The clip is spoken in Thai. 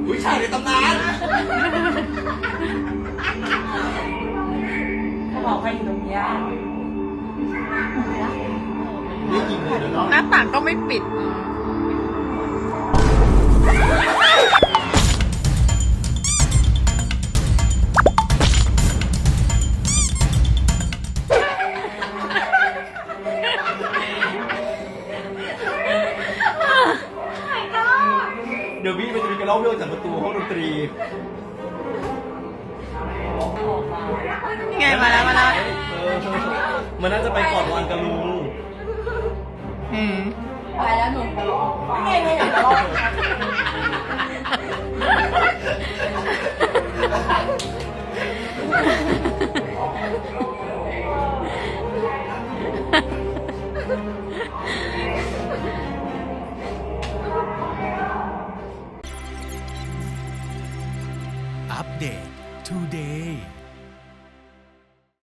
อุ้ยฉากในตำนานถ้าบอกใครอยู่ตรงนี้นี่กี่โมงแล้วเนาะหน้าต่างก็ไม่ปิดเดี๋ยวพี่มันจะมีกระรอกเรื่องจากประตูห้องดนตรีไงมาแล้วมาแล้วมันน่าจะไปกอดวางกับลุงไปแล้วหนูไม่ไงเนี่ยจะรอดอัปเดต Today